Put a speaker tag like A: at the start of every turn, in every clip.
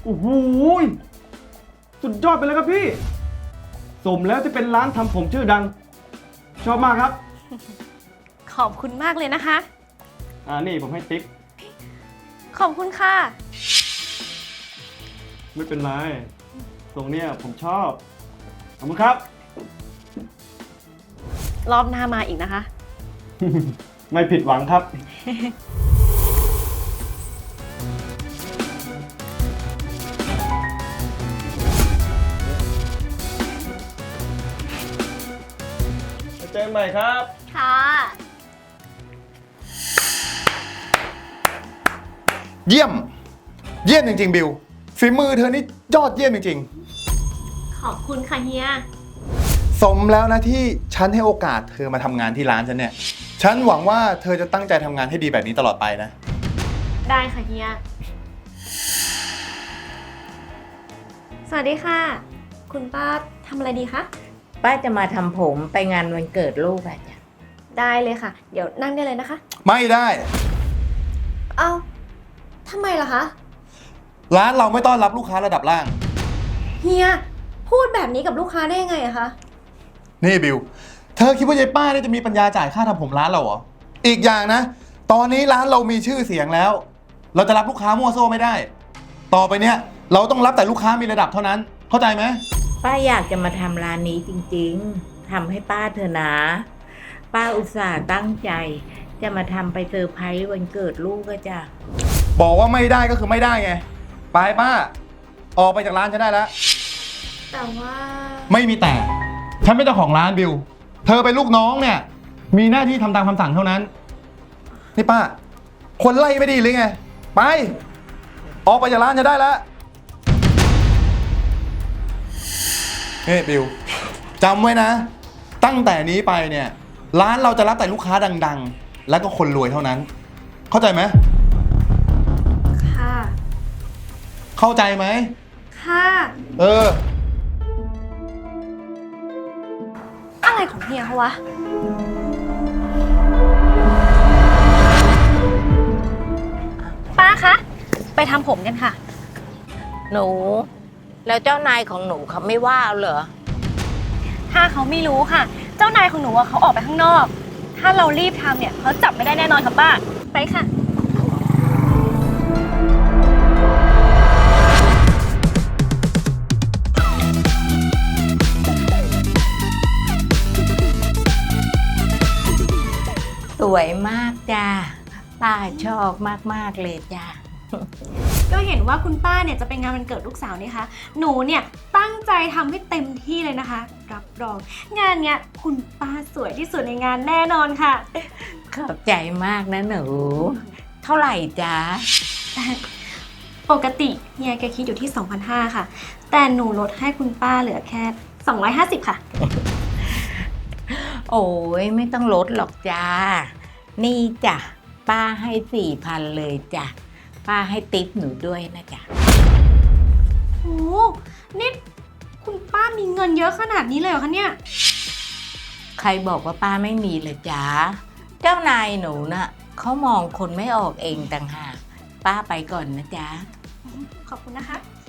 A: โอ้โหสุดยอดไปเลยครับพี่สมแล้วที่เป็นร้านทำผมชื่อดังชอบมากครับ
B: ขอบคุณมากเลยนะคะ
A: นี่ผมให้ติ๊ก
B: ขอบคุณค่ะ
A: ไม่เป็นไรตรงเนี้ยผมชอบขอบคุณครับ
B: รอบหน้ามาอีกนะคะ
A: ไม่ผิดหวังครับ เจอกันใหม่ครับ
B: ค่ะ
C: เยี่ยมจริงๆบิวฝีมือเธอนี่ยอดเยี่ยมจริง
B: ขอบคุณค่ะเฮีย
C: ๆสมแล้วนะที่ฉันให้โอกาสเธอมาทำงานที่ร้านฉันเนี่ยฉันหวังว่าเธอจะตั้งใจทำงานให้ดีแบบนี้ตลอดไปนะ
B: ได้ค่ะเฮีย สวัสดีค่ะ คุณป้าทำอะไรดีคะ
D: ป้าจะมาทำผมไปงานวันเกิดลูกอะจ้ะ
B: ได้เลยค่ะ เดี๋ยวนั่งได้เลยนะคะ
C: ไม่ได้
B: เอ้าทำไมล่ะคะ
C: ร้านเราไม่ต้อนรับลูกค้าระดับล่าง
B: เฮีย พูดแบบนี้กับลูกค้าได้ยังไงอะคะ
C: นี่บิวเธอคิดว่ายายป้าเนี่ยจะมีปัญญาจ่ายค่าทำผมร้านเราเหรออีกอย่างนะตอนนี้ร้านเรามีชื่อเสียงแล้ว เราจะรับลูกค้ามั่วโซ่ไม่ได้ ต่อไปเนี่ยเราต้องรับแต่ลูกค้ามีระดับเท่านั้นเข้าใจไหม
D: ป้าอยากจะมาทำร้านนี้จริงๆทำให้ป้าเถอะนะ ป้าอุตส่าห์ตั้งใจ จะมาทำไปเซอร์ไพรส์วันเกิดลูกก็จ้ะ
C: บอกว่าไม่ได้ก็คือไม่ได้ไงไปป้าออกไปจากร้านฉันได้แล้ว
B: แต่ว่า
C: ไม่มีแต่ฉันเป็นเจ้าของร้านบิวเธอเป็นลูกน้องเนี่ยมีหน้าที่ทำตามคำสั่งเท่านั้นนี่ป้าคนไล่ไม่ดีหรือไงไปออกไปจากร้านฉันได้แล้วเฮ้ยบิวจำไว้นะตั้งแต่นี้ไปเนี่ยร้านเราจะรับแต่ลูกค้าดังๆ แล้วก็คนรวยเท่านั้น เข้าใจไหม
B: ค่ะ
C: เข้าใจไหม
B: ค่ะ
C: เออ
B: อะไรของเฮียเขาวะ ป้าคะ ไปทำผมกันค่ะ
D: หนู แล้วเจ้านายของหนูเขาไม่ว่าเอาเหรอ
B: ถ้าเขาไม่รู้ค่ะ เจ้านายของหนูอะเขาออกไปข้างนอก ถ้าเรารีบทำเนี่ยเขาจับไม่ได้แน่นอนค่ะป้า ไปค่ะ
D: สวยมากจ้าป้าชอบมากๆเลยจ้า
B: ก็เห็นว่าคุณป้าเนี่ยจะเป็นงานวันเกิดลูกสาวนี่คะหนูเนี่ยตั้งใจทำให้เต็มที่เลยนะคะ รับรอง งานเนี้ยคุณป้าสวยที่สุดในงานแน่นอนค่ะ
D: ขอบใจมากนะหนู เท่าไหร่จ้า
B: ปกติเฮียแกคิดอยู่ที่ 2,500 ค่ะ แต่หนูลดให้คุณป้าเหลือแค่ 250 ค่ะ
D: โอ้ยไม่ต้องลดหรอกจ้า นี่จ้ะป้าให้4,000เลยจ้ะป้าให้ติ๊บหนูด้วยนะจ๊ะ
B: โอ้นี่คุณป้ามีเงินเยอะขนาดนี้เลยเหรอคะเนี่ย
D: ใครบอกว่าป้าไม่มีเลยจ้าเจ้านายหนูน่ะเขามองคนไม่ออกเองต่างหากป้าไปก่อนนะจ๊ะ
B: ขอบคุณนะคะ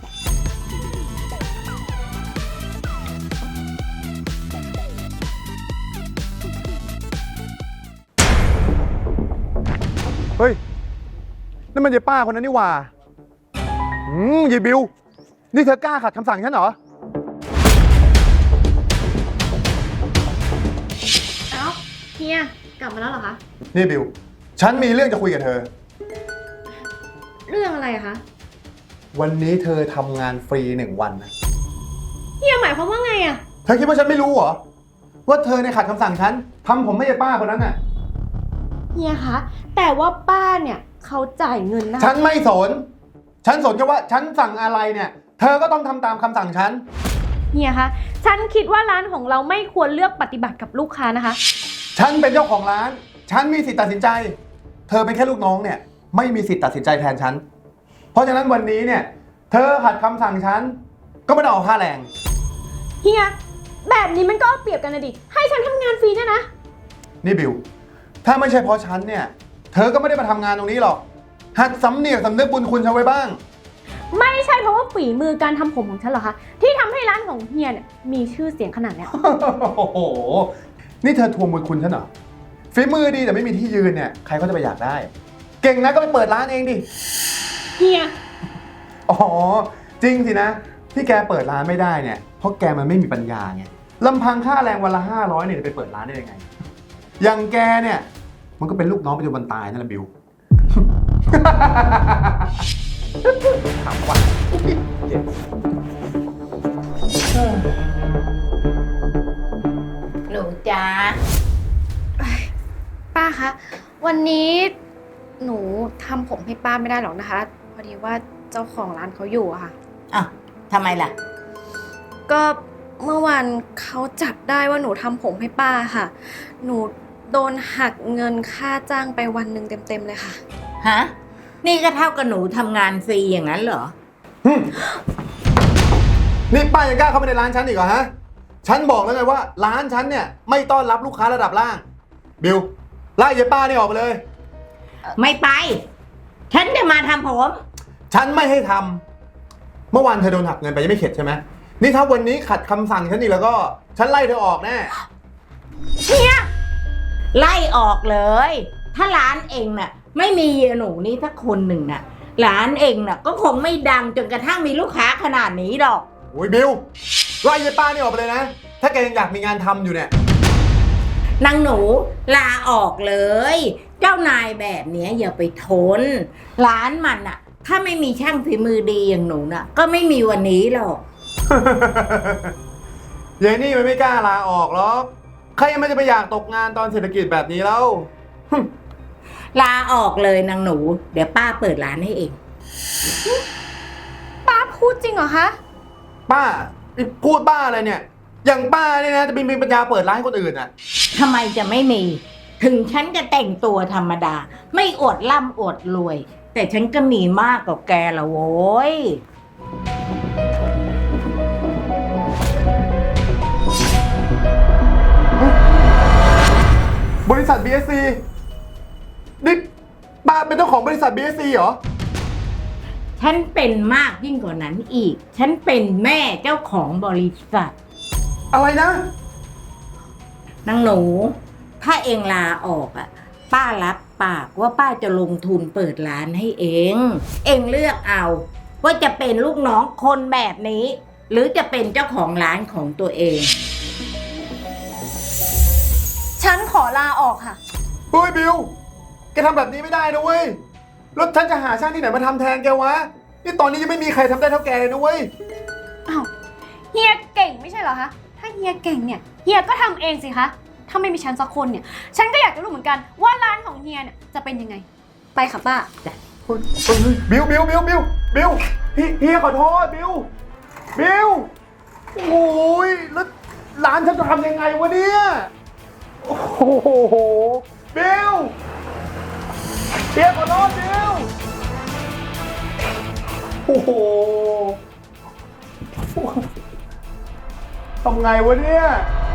C: เฮ้ยนั่นมันยายป้าคนนั้นนี่หว่ายายบิวนี่เธอกล้าขัดคำสั่งฉันเหรอ
B: เอ้าเฮียกลับมาแล้วเหรอคะ
C: นี่บิวฉันมีเรื่องจะคุยกับเธอ
B: เรื่องอะไรอะคะ
C: วันนี้เธอทำงานฟรี1 วันนะ
B: เฮียหมายความว่าไงอะ
C: เธอคิดว่าฉันไม่รู้เหรอว่าเธอในยขัดคำสั่งฉันทำผมไม่ใช่ป้าคนนั้นน่ะ
B: เฮียคะ แต่ว่าป้าเนี่ยเขาจ่ายเงินนะคะ
C: ฉันไม่สน ฉันสนแค่ว่าฉันสั่งอะไรเนี่ย เธอก็ต้องทำตามคำสั่งฉัน
B: เฮียคะ ฉันคิดว่าร้านของเราไม่ควรเลือกปฏิบัติกับลูกค้านะคะ
C: ฉันเป็นเจ้าของร้าน ฉันมีสิทธิ์ตัดสินใจ เธอเป็นแค่ลูกน้องเนี่ยไม่มีสิทธิ์ตัดสินใจแทนฉัน เพราะฉะนั้นวันนี้เนี่ย เธอขัดคำสั่งฉันก็ไม่ต้องเอาค่าแรง
B: เฮีย แบบนี้มันก็เอาเปรียบกันนะดิ ให้ฉันทำงานฟรีเนี่ยนะ
C: นี่บิว ถ้าไม่ใช่เพราะฉันเนี่ย เธอก็ไม่ได้มาทำงานตรงนี้หรอก หัดสำเนียกสำนึกบุญคุณฉันไว้บ้าง
B: ไม่ใช่เพราะว่าฝีมือการทำผมของฉันเหรอคะที่ทำให้ร้านของเฮียเนี่ยมีชื่อเสียงขนาดเนี้ย
C: โอ้โห นี่เธอทวงบุญคุณฉันเหรอ ฝีมือดีแต่ไม่มีที่ยืนเนี่ย ใครเขาจะไปอยากได้ เก่งนะก็ไปเปิดร้านเองดิ
B: เฮีย
C: อ๋อ จริงสินะ ที่แกเปิดร้านไม่ได้เนี่ย เพราะแกมันไม่มีปัญญาไงลำพังค่าแรงวันละ500เนี่ยจะไปเปิดร้านได้ยังไง อย่างแกเนี่ย มันก็เป็นลูกน้องไปจนวันตายนั่นแหละบิว ถามว่าเจ็บ
D: หนูจ้า
B: ป้าคะวันนี้หนูทำผมให้ป้าไม่ได้หรอกนะคะพอดีว่าเจ้าของร้านเขาอยู่อะค่ะ
D: อ่ะทำไมล่ะ
B: ก็เมื่อวานเขาจับได้ว่าหนูทำผมให้ป้าค่ะ หนูโดนหักเงินค่าจ้างไปวันหนึ่งเต็มๆเลยค่ะ
D: ฮะ นี่ก็เท่ากับหนูทำงานฟรีอย่างนั้นเหรอ
C: นี่ป้ายังกล้าเข้ามาในร้านฉันอีกเหรอฮะ ฉันบอกแล้วไงว่าร้านฉันเนี่ยไม่ต้อนรับลูกค้าระดับล่าง บิวไล่ยายป้านี่ออกไปเลย
D: ไม่ไป ฉันจะมาทำผม
C: ฉันไม่ให้ทำ เมื่อวานเธอโดนหักเงินไปยังไม่เข็ดใช่ไหม นี่ถ้าวันนี้ขัดคำสั่งฉันอีกแล้วก็ ฉันไล่เธอออกแน่
D: ไล่ออกเลย ถ้าร้านเองน่ะ ไม่มีเยหนูนี่สักคนหนึ่งน่ะ ร้านเองน่ะ ก็คงไม่ดังจนกระทั่งมีลูกค้าขนาดนี้หรอก
C: โอ้ยบิวไล่ยายป้านี่ออกไปเลยนะ ถ้าแกยังอยากมีงานทำอยู่เนี่ย
D: นางหนูลาออกเลย เจ้านายแบบเนี้ยอย่าไปทน ร้านมันน่ะ ถ้าไม่มีช่างฝีมือดีอย่างหนูน่ะ ก็ไม่มีวันนี้หรอก
C: ยายนี่มันไม่กล้าลาออกหรอก ใครยังไม่จะไปอยากตกงานตอนเศรษฐกิจแบบนี้แล้ว
D: ลาออกเลยนางหนู เดี๋ยวป้าเปิดร้านให้เอง
B: ป้าพูดจริงเหรอคะ
C: ป้าพูดบ้าอะไรเนี่ย อย่างป้าเนี่ยนะจะมีปัญญาเปิดร้านให้คนอื่นอ่ะ
D: ทำไมจะไม่มี ถึงฉันจะแต่งตัวธรรมดา ไม่อวดร่ำอวดรวย แต่ฉันก็มีมากกว่าแกละโว้ย
C: บริษัท BSC นี่ป้าเป็นเจ้าของบริษัท BSC เหรอ
D: ฉันเป็นมากยิ่งกว่านั้นอีก ฉันเป็นแม่เจ้าของบริษัท
C: อะไรนะ
D: นางหนู ถ้าเองลาออกอ่ะ ป้ารับปากว่าป้าจะลงทุนเปิดร้านให้เอง เองเลือกเอา ว่าจะเป็นลูกน้องคนแบบนี้ หรือจะเป็นเจ้าของร้านของตัวเอง
B: ฉันขอลาออกค่ะ
C: เฮ้ยบิว แกทำแบบนี้ไม่ได้นะเว้ย แล้วฉันจะหาช่างที่ไหนมาทำแทนแกวะ นี่ตอนนี้ยังไม่มีใครทำได้เท่าแกเลยนะเว้ย
B: อ้าวเฮียเก่งไม่ใช่เหรอคะถ้าเฮียเก่งเนี่ยเฮียก็ทำเองสิคะถ้าไม่มีฉันสักคนเนี่ยฉันก็อยากจะรู้เหมือนกันว่าร้านของเฮียเนี่ยจะเป็นยังไงไปค่ะป้า
C: บิวเฮียขอโทษบิวโอ้ยแล้วร้านฉันจะทำยังไงวะเนี่ยโอ้โหบิวเฮียขอโทษบิวโอ้โหทำไงวะเนี่ย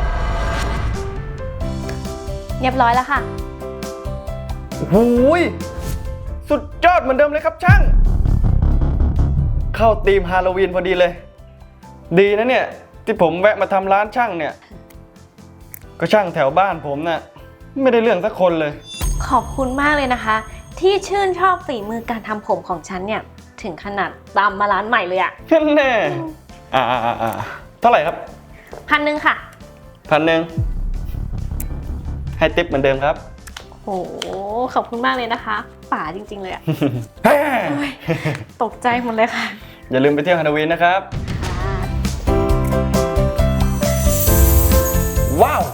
B: เรียบร้อยแล้วค่ะ
A: หูยสุดยอดเหมือนเดิมเลยครับช่าง เข้าธีมฮาโลวีนพอดีเลย ดีนะเนี่ยที่ผมแวะมาทำร้านช่างเนี่ย ก็ช่างแถวบ้านผมน่ะไม่ได้เรื่องสักคนเลย
B: ขอบคุณมากเลยนะคะ ที่ชื่นชอบฝีมือการทำผมของฉันเนี่ยถึงขนาดตามมาร้านใหม่เลยอะ
A: แน่เท่าไหร่ครับ
B: 1,000ค่ะ
A: 1,000ให้ติ๊บเหมือนเดิมครับ
B: โหขอบคุณมากเลยนะคะป๋าจริงๆเลยอะ
A: เฮ้ย
B: โอ้ยตกใจหมดเลยค่ะ
A: อย่าลืมไปเที่ยวฮาโลวีนนะครับ ว้าว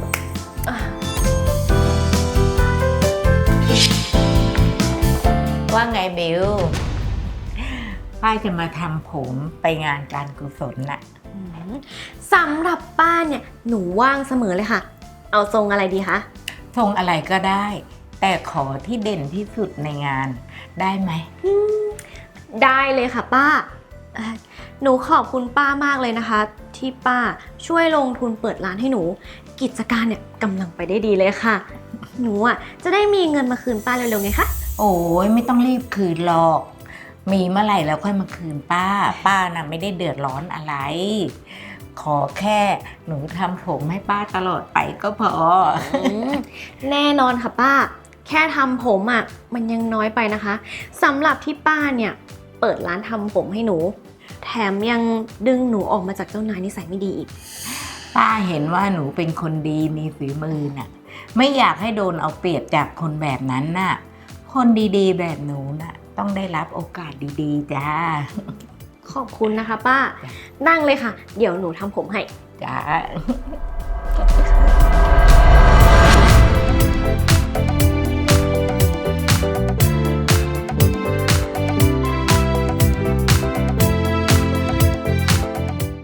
D: ว่าไงบิว ป้าจะมาทำผมไปงานการกุศลน่ะ
B: สำหรับป้าเนี่ยหนูว่างเสมอเลยค่ะ เอาทรงอะไรดีคะ
D: ทรงอะไรก็ได้ แต่ขอที่เด่นที่สุดในงานได้ไหม
B: ได้เลยค่ะป้าหนูขอบคุณป้ามากเลยนะคะ ที่ป้าช่วยลงทุนเปิดร้านให้หนู กิจการเนี่ยกำลังไปได้ดีเลยค่ะ หนูอ่ะจะได้มีเงินมาคืนป้าเร็วๆไงคะ
D: โอ้ยไม่ต้องรีบคืนหรอกมีเมื่อไหร่แล้วค่อยมาคืนป้า ป้าน่ะไม่ได้เดือดร้อนอะไร ขอแค่หนูทำผมให้ป้าตลอดไปก็พอ
B: แน่นอนค่ะป้า แค่ทำผมอ่ะมันยังน้อยไปนะคะสำหรับที่ป้าเนี่ยเปิดร้านทำผมให้หนู แถมยังดึงหนูออกมาจากเจ้านายนิสัยไม่ดีอีก
D: ป้าเห็นว่าหนูเป็นคนดีมีฝีมือน่ะ ไม่อยากให้โดนเอาเปรียบจากคนแบบนั้นน่ะ คนดีๆแบบหนูน่ะ ต้องได้รับโอกาสดีๆจ้า
B: ขอบคุณนะคะป้า นั่งเลยค่ะ เดี๋ยวหนูทำผมให้
D: จ้า